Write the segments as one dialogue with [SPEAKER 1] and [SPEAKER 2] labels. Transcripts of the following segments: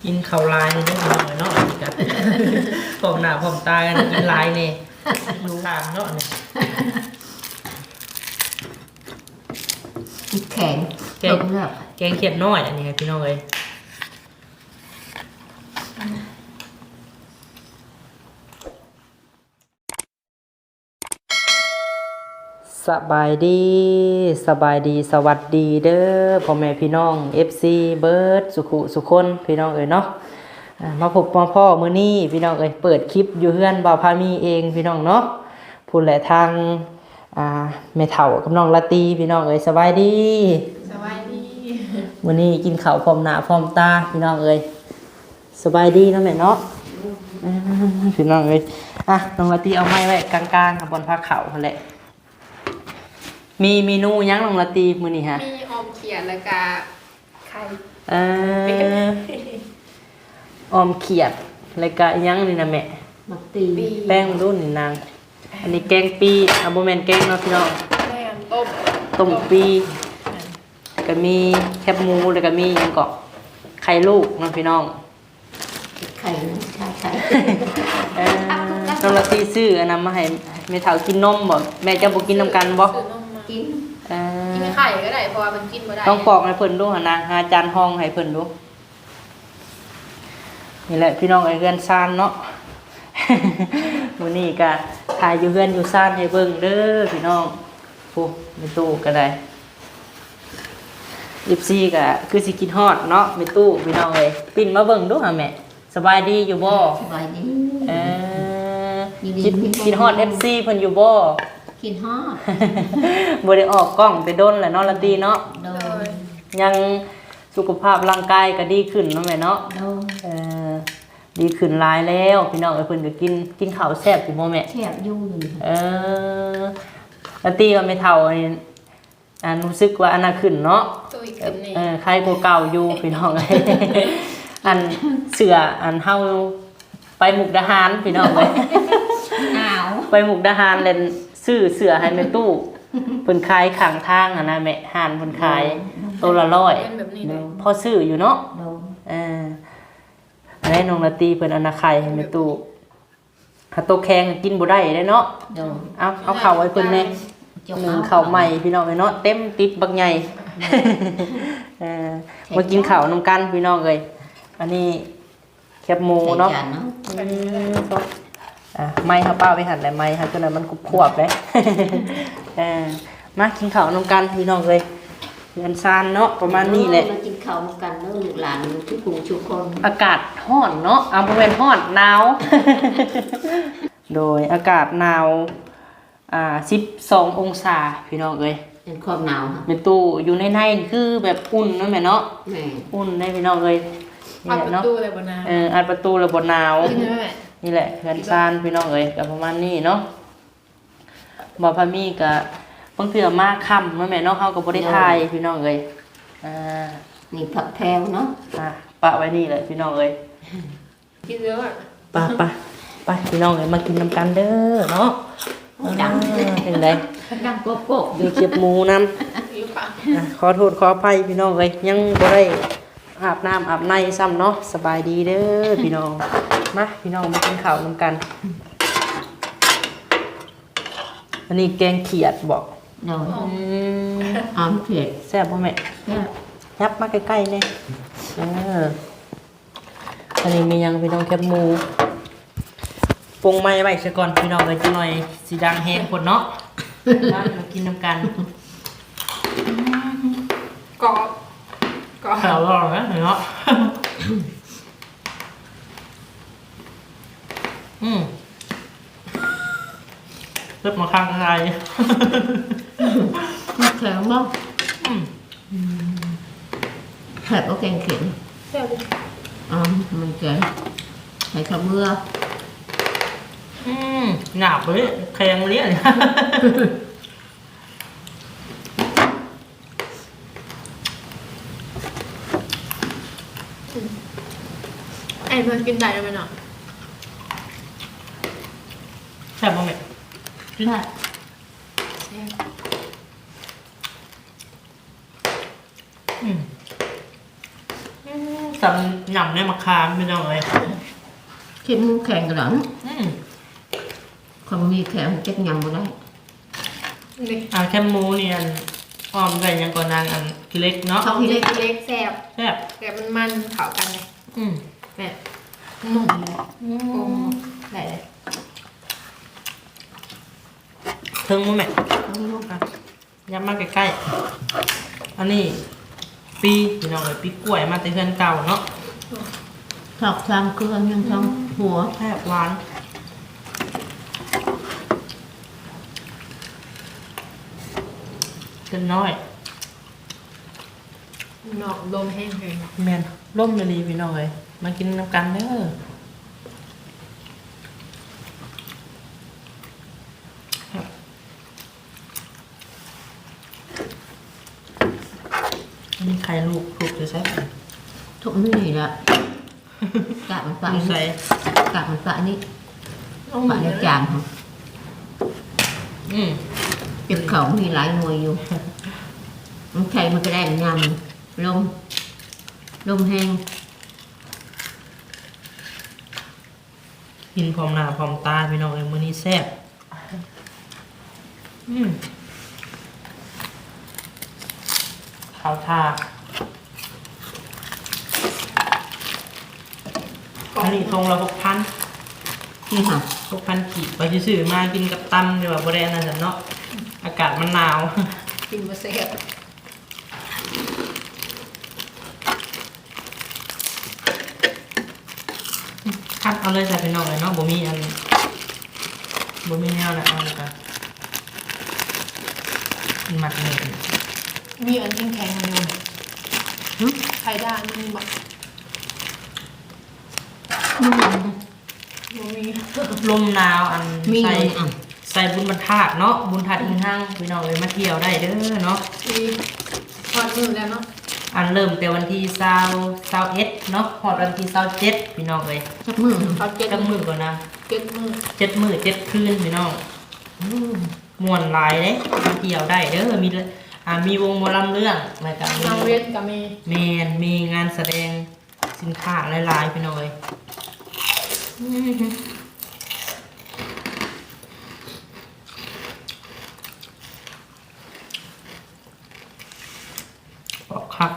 [SPEAKER 1] กินข้าวลายนี่ต้องกินหน่อยเนาะอันนี้กันพร้อมหน้าพร้อมตากันกินลายนี่ดูทางเนาะนี่
[SPEAKER 2] แข็ง
[SPEAKER 1] แกงเขียดน้อยอันนี้ครับพี่น้องเอ้ยสบายดีสวัสดีเด้อพ่อแม่พี่น้อง FC เบิร์ดสุคนพี่น้องเอ้ยเนาะมาพบพ่อมื้อนี้พี่น้องเอ้ยเปิดคลิปอยู่เฮือนบ่าวพามีเองพี่น้องเนาะพูดแหละทางแม่เฒ่ากับน้องละตีพี่น้องเอ้ยสบายดีมื้อนี้กินข้าวพร้อมหน้าพร้อมตาพี่น้องเอ้ยสบายดีเนาะแม่เนาะพี่น้องเอ้ยน้องละตีเอาไม้ไว้กลางๆกับบนผ้าขาวนั่นแหละมีเมนูยังลงละตีมื้อนี้ฮะ
[SPEAKER 3] มีออมเขียดแล้วก็ไข่
[SPEAKER 1] ออมเขียดแล้วก็ยังนี่นะแม่
[SPEAKER 2] มักตี
[SPEAKER 1] แป้งรุ่นนี่นางอันนี้แกงปีบ่แม่นแกงเนาะพี่น้อง
[SPEAKER 3] แม่
[SPEAKER 1] ต้มปีก็มีแคบหมูแล้วก็มีหยังก็ไข่ลูกเนาะพี่น้อง
[SPEAKER 2] ไข่ใช่
[SPEAKER 1] น้องละตีซื้ออันนั้นมาให้แม่เฒ่ากินนมบ่แม่จะบ่กินนำกันบ่
[SPEAKER 2] กิน
[SPEAKER 3] ไข่ก็ได้เพราะว่ามันกินบ่ได้
[SPEAKER 1] ต้องปอกให้เพิ่นดูหั่นนะหาจานห้องให้เพิ่นดูนี่แหละพี่น้องไอ้เฮือนซ่านเนาะ มื้อนี้ก็ถ่ายอยู่เฮือนอยู่ซ่านให้เบิ่งเด้อพี่น้องผู้ในตู้ก็ได้14ก็คือสิกินฮอดเนาะในตู้พี่น้องเอ้ยปิ้นมาเบิ่งดูหาแม่สบายดีอยู่บ่
[SPEAKER 2] สบายดี
[SPEAKER 1] กินฮอด FC เพิ่นอยู่บ่
[SPEAKER 2] กินฮอด
[SPEAKER 1] บ่ได้ออกกล้องไปดนแหละเนาะละตีเนาะยังสุขภาพร่างกายก็ดีขึ้นเนาะแม่เนาะดีขึ้นหลายแล้วพี่น้องเอ้ยเพิ่นก็กินข้าวแซ่บอยู่บ่แม่
[SPEAKER 2] แซ่บอยู่
[SPEAKER 1] ละตีว่าไม่เท่านี่รู้สึกว่าอันน่ะขึ้นเนาะใครกว่าเก่าอยู่พี่น้องเอ้ยอันเสืออันเฮาไปมุกดาหารพี่น้องเอ้ย
[SPEAKER 2] หนาว
[SPEAKER 1] ไปมุกดาหารเล่นซื้อเสือให้แม่ตู้เพิ่นขายข้างทางนะแม่ห่านเพิ่นขายตัวละ100พอซื้ออยู่เนาะอันนี้น้องละตีเพิ่นเอานาไข่ให้แม่ตู้ถ้าโตแข็งกินบ่ได้เด้เนาะเอาข้าวไว้เพิ่นแน่ข้าวใหม่พี่น้องเอ้ยเนาะเต็มติ๊บบักใหญ่มากินข้าวนำกันพี่น้องเอ้ยอันนี้แคบหมูเนาะไม้เขาเป้าไปหั่นแหละไม้ค่ะจนมันขวบเลยมากินข้าวนำกันพี่น้องเลยเรือนซานเนาะประมาณนี้แหละ
[SPEAKER 2] มากินข้าวนำกันเนาะลูกหลานทุกกลุ่มทุกคน
[SPEAKER 1] อากาศร้อนเนาะบริเวณร้อนหนาวโดยอากาศหนาว12 องศาพี่น้องเอ้ย
[SPEAKER 2] เป็นความหนาวค่ะ
[SPEAKER 1] ในตู้อยู่ในคือแบบอุ่นนั่นแหละเนาะอุ่นได้พี่น้องเอ้ย
[SPEAKER 3] อัดประตูเลยบนหนาว
[SPEAKER 1] อัดประตูเลยบนหนาวนี่แหละเรือนซานพี่น้องเอ้ยกับประมาณนี้เนาะบ่พามีกับบางเทื่อมาค่ำแม่เนาะเฮาก็บ่ได้ถ่ายพี่น้องเอ้ย
[SPEAKER 2] นี่ผักแพรวเนาะ
[SPEAKER 1] ปะไว้นี่แหละพี่น้องเอ้ย
[SPEAKER 3] กินเยอะ
[SPEAKER 1] ไปพี่น้องเอ้ยมากินนำกันเด้อเนาะ
[SPEAKER 2] ดัง
[SPEAKER 1] เป็นได
[SPEAKER 2] ดังโกะ
[SPEAKER 1] มีเก็บหมูนำขอโทษขออภัยพี่น้องเอ้ยยังบ่ได้อาบน้ำอาบในซ้ำเนาะสบายดีเด้อพี่น้องมาพี่น้องมากินข้าวนำกันอันนี้แกงเขียดบอก
[SPEAKER 2] หอมเขียด
[SPEAKER 1] แซ่บป่ะแม่ยับมาใกล้ๆเลยอันนี้มียังพี่น้องแคบหมูปรุงไม้ไว้ซะก่อนพี่น้องเลยจะหน่อยสีดังแห้งคนเนาะมากินนำกัน
[SPEAKER 3] ก็
[SPEAKER 1] อร่อยนะเนาะเริ่มมาข้างอะไร
[SPEAKER 2] แข็งบ้างแผลก็แกงเข็มมันแข็งใส่ข้าวเบื่อ
[SPEAKER 1] หนาบเลยแข็งเลี้ยน
[SPEAKER 3] ไอ้เพื่อนกินได้ไหมเนาะ
[SPEAKER 1] แซ่บมั้งไหม
[SPEAKER 2] ได้
[SPEAKER 1] สำหยำในมะขามพี่น้องเลย
[SPEAKER 2] คิดมูแข็งกันหรอ
[SPEAKER 1] อืม
[SPEAKER 2] ความมีแข็งจักยำบ่ได้
[SPEAKER 3] นี่
[SPEAKER 1] แคมหมูนี่อันอ้อมใส่ยังก่อนนางอันเล็กเนาะ
[SPEAKER 3] ของที่เล็กแซ่บ
[SPEAKER 1] แซ่บ
[SPEAKER 3] แต่มันเข้ากันเลย
[SPEAKER 1] อืม
[SPEAKER 3] แม่หนุ่มเลยโอ้ได้เลย
[SPEAKER 1] เทิงมั้แม่ยับมาใกล้ๆอันนี้ปีพี่น้องเลยปีกล้วยมาแต่เพื่อนเก่าเนาะ
[SPEAKER 2] ชอบทางเครื่องยังทางหัว
[SPEAKER 1] แซ่บหวานเกินน้อย
[SPEAKER 3] นอกลมแห้งเลย
[SPEAKER 1] แมนร่มเลยพี่น้องเลยมากินน้ำกันเด้ออันนี้ไข่ลูกถูกจะใช่ไหม
[SPEAKER 2] ทุกนี่แหละกะมันปะ
[SPEAKER 1] ดู
[SPEAKER 2] นี่
[SPEAKER 1] ใส่
[SPEAKER 2] กะมันปะนี่
[SPEAKER 3] ต้อง
[SPEAKER 2] ปะ
[SPEAKER 3] มี
[SPEAKER 2] ในจานของ
[SPEAKER 1] อืม
[SPEAKER 2] เจ็บเขามีหลายหน่วยอยู่มันใช่มันก็ได้งามลมแห้ง
[SPEAKER 1] กินพร้อมหน้าพร้อมตาพี่น้องเลยมื้อนี้แซ่บข้าวทาอันนี้ทงละ6,000
[SPEAKER 2] นี่ค่ะ
[SPEAKER 1] 6,000กีบไปซื้อมากินกับตำเดี๋ยวบ่ได้อันนั้นจ้ะเนาะอากาศมันหนาว
[SPEAKER 3] กินมาแซ่บ
[SPEAKER 1] คัดเอาเลยจ้ะพี่น้องเลยเนาะบ่มีแนวนะเอาเลยค่ะหมักเลย
[SPEAKER 3] มีอันแข็งๆอยู่
[SPEAKER 2] หึ
[SPEAKER 3] ไข่ด้านมีบอก
[SPEAKER 2] มันยัง
[SPEAKER 3] บ่มี
[SPEAKER 1] ลมหนาวอัน
[SPEAKER 2] มี
[SPEAKER 1] ใส่
[SPEAKER 2] เลยอ่ะ
[SPEAKER 1] ใส่บุญบรรทัดเนาะบุญทัดอิงห้างพี่น้องเลยมาเที่ยวได้เด้อเนาะ
[SPEAKER 3] มีทอดมือแล้วเนาะ
[SPEAKER 1] อันเริ่มแต่วันที่21เนาะฮอดวันที่27พี่น้องเลย
[SPEAKER 2] จับมือ
[SPEAKER 3] เขาเจ็ด
[SPEAKER 1] จักมื้อก่อนนะ
[SPEAKER 3] เจ็ดมือ
[SPEAKER 1] 7 มื้อ7 คืนพี่น้องม่วนหลายเด้มาเที่ยวได้เด้อมีวงหมอลำเรื่องแล้วก็มี
[SPEAKER 3] นางเวียนกับมี
[SPEAKER 1] มีงานแสดงสินค้าหลายๆพี่น้องเอ้ยบอกครับ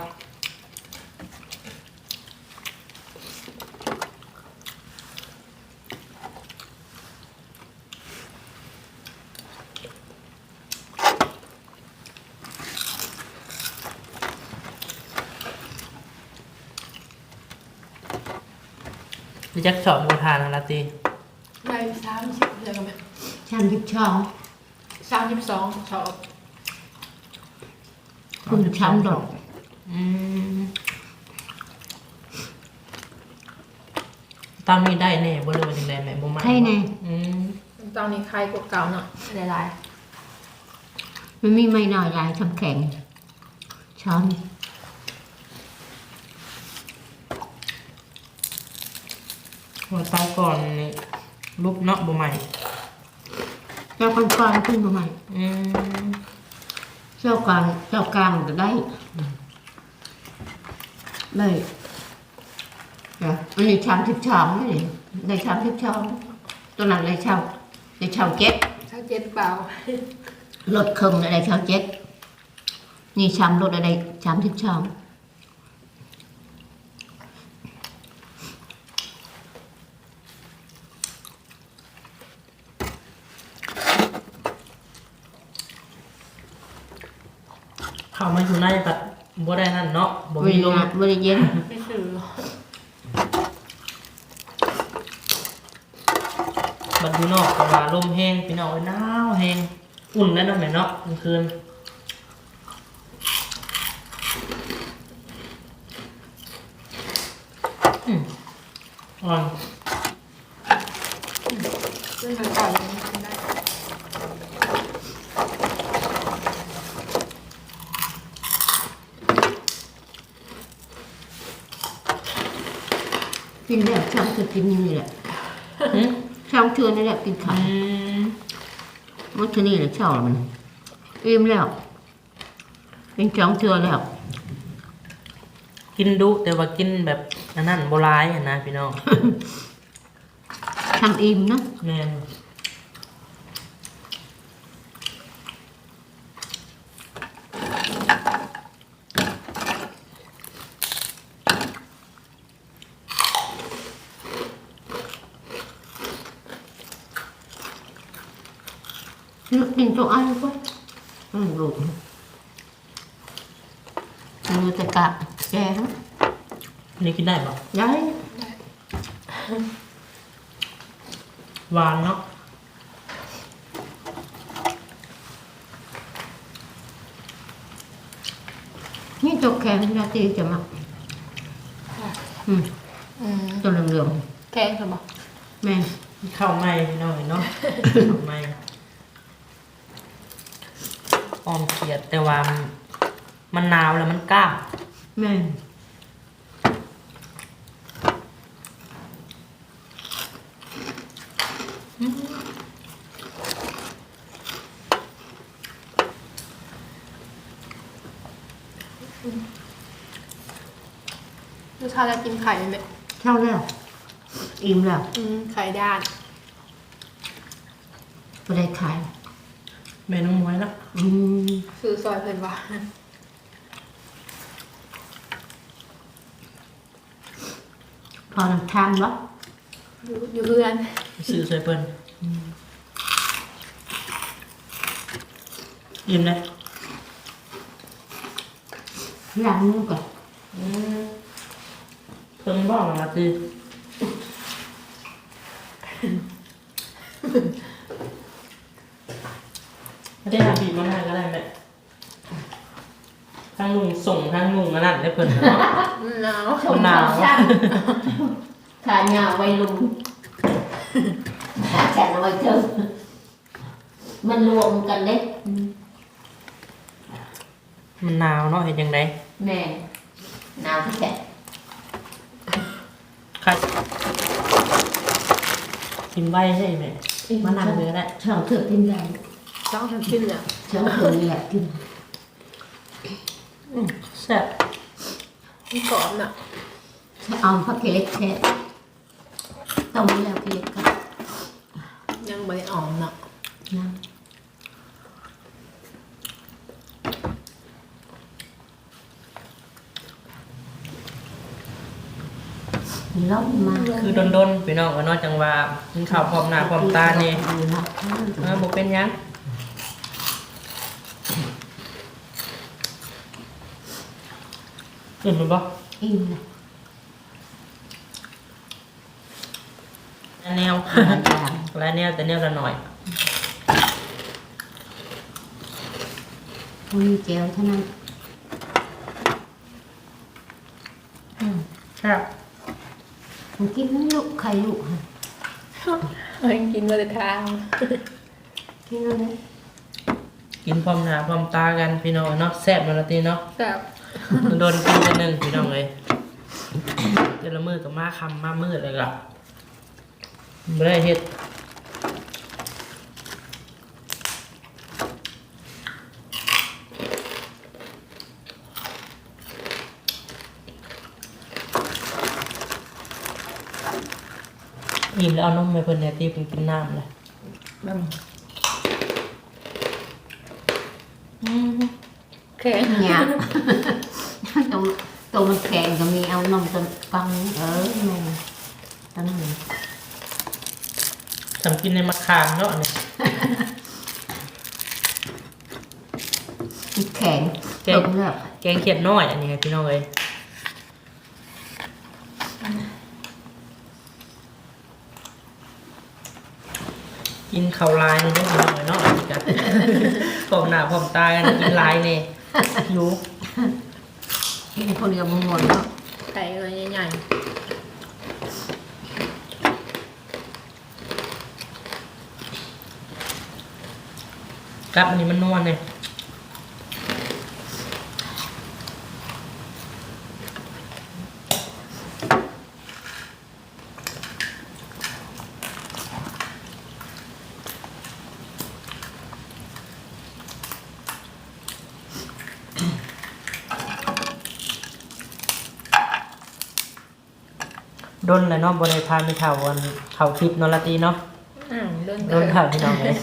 [SPEAKER 1] พี่จักสอนบูทานนะตี
[SPEAKER 3] ได้30เดือนกันไหม
[SPEAKER 2] ชามยิบช่อง
[SPEAKER 3] 32ชอบ
[SPEAKER 2] คุณช้ำดอก
[SPEAKER 1] ตามนี้ได้แน่บ่เลยว่าจังได๋แม่บ่มา
[SPEAKER 2] ใช่ไง
[SPEAKER 3] ตอนนี้ใครกว่าเก่าเนาะหลาย
[SPEAKER 2] มันมีไม่น้อยลายทำแข็งช้อน
[SPEAKER 1] หัวเตาก่อนนี่รูปเนาะบ่ใหม่
[SPEAKER 2] เจ้าก้อนๆขึ้นมาใหม่ เจ้ากลางก็ได้เลยอันนี้ชามทิพย์ชามนี่ในชามทิพย์ชามตัวนั้นเลยชามเจ็ด
[SPEAKER 3] ๆถ้าเจ็ดเปล่าร
[SPEAKER 2] ถเครื่องอะไรชามเจ็ดนี่ชามรถอะไรชามทิพย์ชาม
[SPEAKER 1] เข้ามาอยู่ในแบบบ่ได้นั่นเนาะบ่
[SPEAKER 2] บ
[SPEAKER 1] มี
[SPEAKER 2] ริ
[SPEAKER 1] ลม
[SPEAKER 2] บริเย็น
[SPEAKER 3] ไม่ถือ
[SPEAKER 1] บัดอยู่นอกก็ว่าลมแห้งพี่น้องเอ้ยหนาวแห้งอุ่นแล้วเนาะแม่เนาะกลางคืนอ่อน
[SPEAKER 3] ซึ่งทางเก่ายังไม่ทำได้
[SPEAKER 2] กินแบบช่างคือกินนี่แหละ
[SPEAKER 1] หืม
[SPEAKER 2] ช่างเชื่อนี่แหละกินข้าวมันที่นี่แหละเช่าแล้วมันอิ่มแล้วเป็นช่างเชื่อแล้ว
[SPEAKER 1] กิกินดุแต่ว่ากินแบบอันนั้นโบราณอะนะพี่น้อง
[SPEAKER 2] ทำอิ่มเนาะ
[SPEAKER 1] แม่น
[SPEAKER 2] นึกกินตัวอ้ายก็ดูมือจะกะแกง
[SPEAKER 1] นี่กินได้ปะ
[SPEAKER 2] ย้าย
[SPEAKER 1] หวานเนาะ
[SPEAKER 2] นี่ตัวแข็งนาทีจะมาอืม
[SPEAKER 3] อืม
[SPEAKER 2] ตัวเหลือง
[SPEAKER 3] แกงเหรอบอก
[SPEAKER 2] ๆแม่น
[SPEAKER 1] ข้าวไหม้พี่น้องเนาะ ข้าวไหม้ออมเขียดแต่ว่ามันหนาวแล้วมันกล้า
[SPEAKER 2] แม่น
[SPEAKER 3] ลูกชายจะกินไข่ไหม
[SPEAKER 2] เท่าแล้วอิ่มแล้ว
[SPEAKER 3] ไข่ด้าน
[SPEAKER 2] ไม่ได้ขาย
[SPEAKER 1] แม่น้องมวยละ
[SPEAKER 2] อืม
[SPEAKER 3] ซื้อซอยเพิ่นว่า
[SPEAKER 2] พอน้ำทานวะ
[SPEAKER 3] อยู่เพื่อน
[SPEAKER 1] ซื้อใส่เปิ้นอิ่มเลย
[SPEAKER 2] ล้างมือก่อน
[SPEAKER 1] เพิ่งบอกมาสิไม่ได้ทำบีบมะนาวก็ได้แม่ทั้งลุงส่งทั้งลุงอันนั้นได้เพิ่นเนาะ
[SPEAKER 3] หนาว
[SPEAKER 1] หนาว
[SPEAKER 2] ขาเหงาไว้ลุงขาแขนเอาไว้เจอมันรวมกันเล็ก
[SPEAKER 1] มันหนาวเนาะเห็นยังไง
[SPEAKER 2] แม่หนาวที่แขน
[SPEAKER 1] ค่ะกินใบใช่ไหมมะนาวเยอะแหละ
[SPEAKER 2] ชอบเถื่อกินแรง
[SPEAKER 3] ต้องทำกินเนี่ย
[SPEAKER 2] ชอบเถื่อนี่แหละกิน
[SPEAKER 1] แซ่บ
[SPEAKER 3] มันกรอบน่ะ
[SPEAKER 2] เอาผักเล็กแค่ต้มแล้วเล็กกัน
[SPEAKER 3] ยังไม่ได้อ่อมน่ะ
[SPEAKER 2] นะล้มมา
[SPEAKER 1] คือดนๆพี่น้องก็นอกจังว่ากินข้าวพร้อมหน้าพร้อมตานี่บ่เป็นหยังอิ่มมันบ่
[SPEAKER 2] อิ่มนะ
[SPEAKER 1] อันแนว หลายแนวแต่แนวละหน่อย
[SPEAKER 2] มีเจลเท่านั้น
[SPEAKER 1] ครับ
[SPEAKER 2] ผมกินลูกไข่ลูกฮะ
[SPEAKER 3] เฮ้ยกินมาแต่ทาง
[SPEAKER 2] กินอะไร
[SPEAKER 1] กินพร้อมหน้าพร้อมตากันพี่น้องเนาะแซ่บมาละตีเนาะ
[SPEAKER 3] แบบ
[SPEAKER 1] โดนกินกันหนึ่งพี่น้องเลยเดี๋ยวละมือกับมาคำมามืดเลยก็ไม่ได้เฮ็ดอิ่มแล้วเอานมไปเพิ่นเนี่ยตีเพิ่นกินน้ำเลย
[SPEAKER 3] แบบ แข็ง
[SPEAKER 2] เนี่ยตัวมันแข็งก็มีเอานมตัวฟังแม่ตอนนั้น
[SPEAKER 1] ทำกินในมะขามเนาะเนี่ย
[SPEAKER 2] แข็งตกแล้ว
[SPEAKER 1] แกงเขียดน้อยอันนี้ไงพี่น้องเลยกินข้าวลายนี่ได้พี่น้องเลยเนาะอันนี้กัน พร้อมหน้าพร้อมตากันกินลายเนี่ยหิว
[SPEAKER 2] กินคนเดียวมันหมดแล้ว
[SPEAKER 3] ไข่เลยใหญ่
[SPEAKER 1] กับอันนี้มันนวลเนี่ยดนแล้วเนาะบ่ได้พาไปเฒ่าวันเข้าคลิปเนาะละตีเนาะ
[SPEAKER 3] โดน
[SPEAKER 1] โดนเฒ่าพี่น้องเลย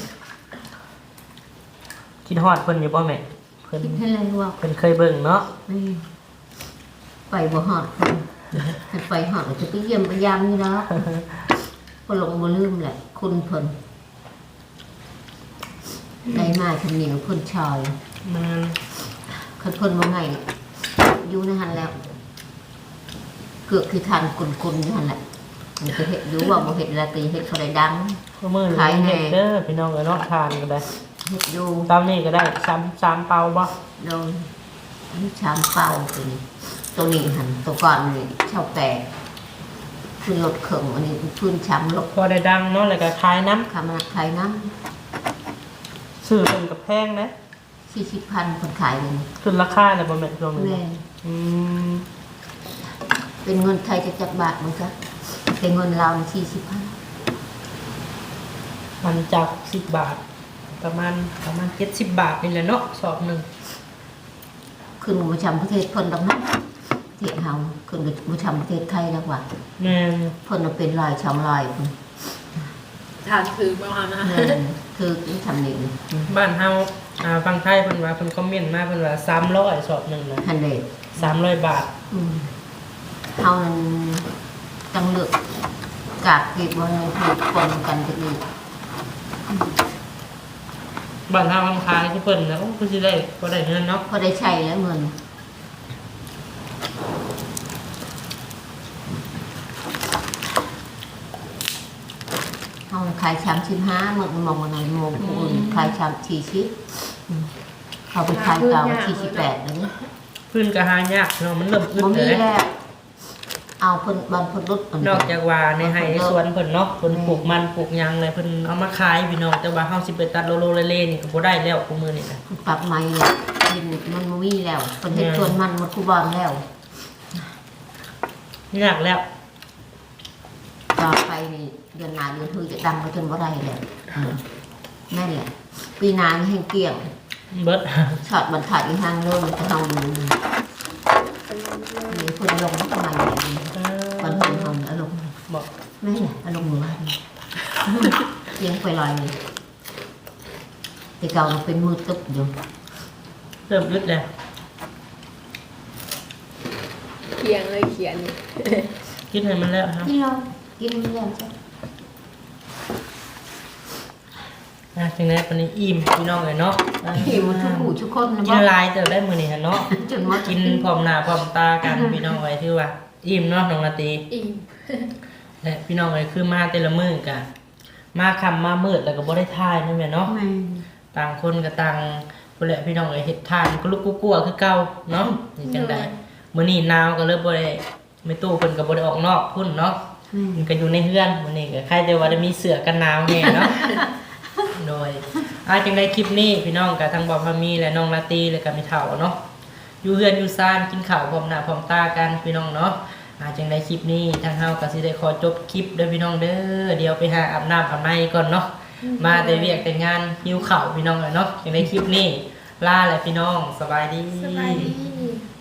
[SPEAKER 1] คิดฮอดเพิ่นอยู่บ่แม่เพิ่น
[SPEAKER 2] คิดให้เลยว่า
[SPEAKER 1] เพิ่นเคยเบิ่งเนาะ
[SPEAKER 2] ไปบ่หอดให้ไปหอดจะไปเยี่ยมไปยามนี่แล้วก็ลงบ่ลืมแหละคุณเพิ่นได้มาทำเหนียวเพิ่นชอย
[SPEAKER 1] มัน
[SPEAKER 2] คันเพิ่นว่าไงอยู่ในหันแล้ว เกือบคือทานกุนๆอยู่หันแหละมันจะเห็ดรู้ว่าบ่เห็ดละตีเห็ดเขาได้ดัง
[SPEAKER 1] ก็มื้อ
[SPEAKER 2] ขาย
[SPEAKER 1] นี้
[SPEAKER 2] แน่
[SPEAKER 1] เฮ็ดเด้อพี่น้องเอ้ยเนาะทานก็ได้
[SPEAKER 2] เห็ดอยู่
[SPEAKER 1] ตามนี้ก็ได้3เปาบ่
[SPEAKER 2] โดนอันนี้ชามเป่าตัวนี้หันตัวก่อนนี่เช่าแตกคือรถเข่งอันนี้พื้นช้ำรถ
[SPEAKER 1] พอได้ดังเนาะแล้วก็ขายน้ำ
[SPEAKER 2] ขามาขายน้
[SPEAKER 1] ซื้อเพิ่นก็แพงนะ
[SPEAKER 2] ำ40,000คนขายเลย
[SPEAKER 1] ขึ้นราคาแล้วบ่แม่นช่วงนี้
[SPEAKER 2] แม่
[SPEAKER 1] อืม
[SPEAKER 2] เป็นเงินไทยจะจักบาทมั้งคะเป็นเงินลาว40,000
[SPEAKER 1] มันจาก10 บาท ประมาณ70 บาทนี่แหละเนาะสอบหนึง
[SPEAKER 2] ขึ้นมาชำประเทศเพิ่นดอกนั้นประเทศเฮาขึ้นมาชำประเทศไทยแล้วว่า
[SPEAKER 1] แม่น
[SPEAKER 2] เพิ่นน่ะเป็นลายชำลายเพิ่น
[SPEAKER 3] ทานคือประมาณนั้น
[SPEAKER 2] แม่นคือทำนี่
[SPEAKER 1] บ้านเฮาฝั่งไทยเพิ่นว่าเพิ่นคอมเมนต์มาเพิ่นว่า300สอบหนึงนะ
[SPEAKER 2] ฮันเดด
[SPEAKER 1] 300 บาท
[SPEAKER 2] เฮานั้นจังเลือกกากเก็บบ่ให้ถูกคนกันจักนี้
[SPEAKER 1] บ้านเฮาคำขายคือเพิ่นนะโอ้คือสิได้บ่ได้เงินเนาะ
[SPEAKER 2] พอได้ใช้แล้วเงินเฮาขาย35หมดมองว่าไหนมองผู้อื่นขาย40เขาไปขายเก่า48แล้วนี่
[SPEAKER 1] พื้นก็หายากเนาะมันเริ่มอึด
[SPEAKER 2] บ่มี
[SPEAKER 1] เลย
[SPEAKER 2] แล้วเอาเพิ่นบันเพิ่นรถ
[SPEAKER 1] นอกจากว่าในไร่ในสวนเพิ่นเนาะเพิ่นปลูกมันปลูกหยังเลยเพิ่นเอามาขายพี่น้องแต่ว่าเฮาสิไปตัดโลเล่ๆนี่ก็บ่ได้แล้วกูมื้อนี้นะ
[SPEAKER 2] ปรับใหม่แล้วดินมันบ่มีแล้วเพิ่นเฮ็ดสวนมันหมดคูบอนแล้ว
[SPEAKER 1] ยากแล้ว
[SPEAKER 2] ต่อไปนี่เดือนหน้าเดือนคือจะดำไปจนบ่ได้แล้วนั่นแหละปีหน้านี่แห้งเกลี้ยง
[SPEAKER 1] เบิด
[SPEAKER 2] ช็อตบรรทัดอีกทางเริ่มจะเฮาดูนี่เพิ่นลงมาทำไมเนี่ยตอนเพิ่นเฮาอารมณ์
[SPEAKER 1] บอก
[SPEAKER 2] แม่เนี่ยอารมณ์ว่านี่เลี้ยงไปลอยนี่แต่เก่ามันเป็นมือตึ๊บอยู่
[SPEAKER 1] เริ่มอึดแล้ว
[SPEAKER 3] เขียนเลยเขียน
[SPEAKER 1] คิดให้มันแล้วครับ
[SPEAKER 2] กินเรากินมันแล้วจ้ะ
[SPEAKER 1] จังได๋ปานนี้อิ่มพี่น้องเอ้ยเนาะ
[SPEAKER 2] หิวทุกผู้ทุกคนนะ
[SPEAKER 1] กิ
[SPEAKER 2] บ่
[SPEAKER 1] นหลายเติบได้มื้อนี้หั่นเนาะ
[SPEAKER 2] จนว่า
[SPEAKER 1] กินพร้อมหน้าพร้อมตากันพี่น้องเอ้ยถือว่าอิ่มเนาะน้องนาตี
[SPEAKER 3] อิ่ม
[SPEAKER 1] และพี่น้องเอ้ยคือมาแต่ละมื้อกันมาค่ำมามืดแล้วก็บ่ได้ถ่ายนั่นแหละเนาะ
[SPEAKER 2] แม่
[SPEAKER 1] ต่างคนก็ต่างพุ่นแหละพี่น้องเอ้ยเฮ็ดทานก็ลุกกลัวๆคือเก่าเนาะนี่จังได๋มื้อนี้หนาวก็เลยบ่ได้ไม่ตู้เพิ่นก็บ่ได้ออกนอกพุ่นเนาะมันก็อยู่ในเฮือนมื้อนี้ก็ใครแต่ว่าได้มีเสื้อกันหนาวแน่เนาะ โดยจังได๋คลิปนี้พี่น้องก็ทั้งบ่าวพามีและน้องลาตีและก็มีเฒ่าเนาะอยู่เฮือนอยู่ซ่านกินข้าวพร้อมหน้าพร้อมตากันพี่น้องเนาะจังได๋คลิปนี้ทางเฮาก็สิได้ขอจบคลิปเด้อพี่น้องเด้อเดี๋ยวไปหาอาบน้ำอาบในก่อนเนาะมาแต่เวียกแต่งานหิวข้าวพี่น้องเนาะจังได๋คลิปนี้ลาแล้วพี่น้องสบายดี
[SPEAKER 3] สบายดี